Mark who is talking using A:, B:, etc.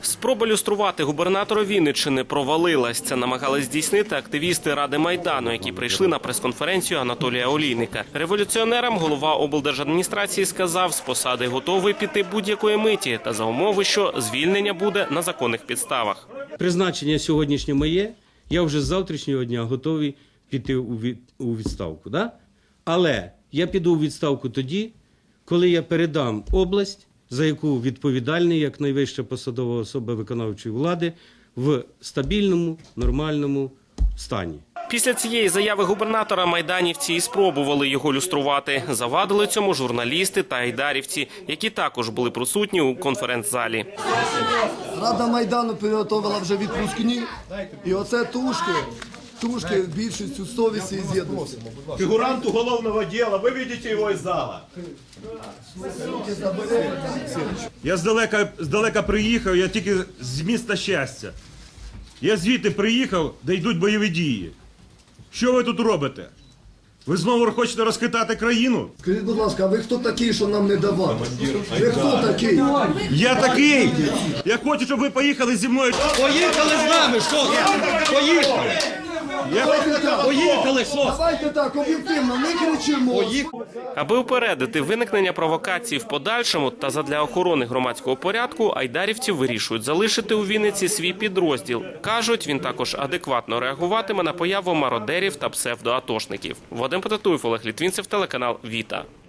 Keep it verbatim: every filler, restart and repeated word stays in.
A: Спроба люструвати губернатора Вінниччини провалилась. Це намагались здійснити активісти Ради Майдану, які прийшли на прес-конференцію Анатолія Олійника. Революціонерам голова облдержадміністрації сказав, з посади готовий піти будь-якої миті, та за умови, що звільнення буде на законних підставах.
B: Призначення сьогоднішнє моє, я вже з завтрашнього дня готовий піти у відставку. Да? Але я піду у відставку тоді, коли я передам область, за яку відповідальний, як найвища посадова особа виконавчої влади, в стабільному, нормальному стані.
A: Після цієї заяви губернатора майданівці і спробували його люструвати. Завадили цьому журналісти та айдарівці, які також були присутні у конференц-залі.
C: Рада Майдану підготовила вже відпускні, і оце тушки, тушки більшістю совісті і з'єдності.
D: Фигуранту уголовного дела, вы видите его из зала. Я здалека, здалека приїхав, я тільки з міста Щастя. Я звідти приїхав, де йдуть бойові дії. Що ви тут робите? Ви знову хочете розхитати країну?
C: Скажіть, будь ласка, а ви хто такий, що нам не давати? Ви хто такий?
D: Я такий! Я хочу, щоб ви поїхали зі мною.
E: Поїхали з нами, що? Поїхали! Поїхали, що?
C: Давайте так, об'єктивно, не кричимо.
A: Аби упередити виникнення провокацій в подальшому та задля охорони громадського порядку, айдарівці вирішують залишити у Вінниці свій підрозділ. Кажуть, він також адекватно реагуватиме на появу мародерів та псевдоатошників. Вадим Потатуєв, Олег Літвінцев, телеканал «Віта».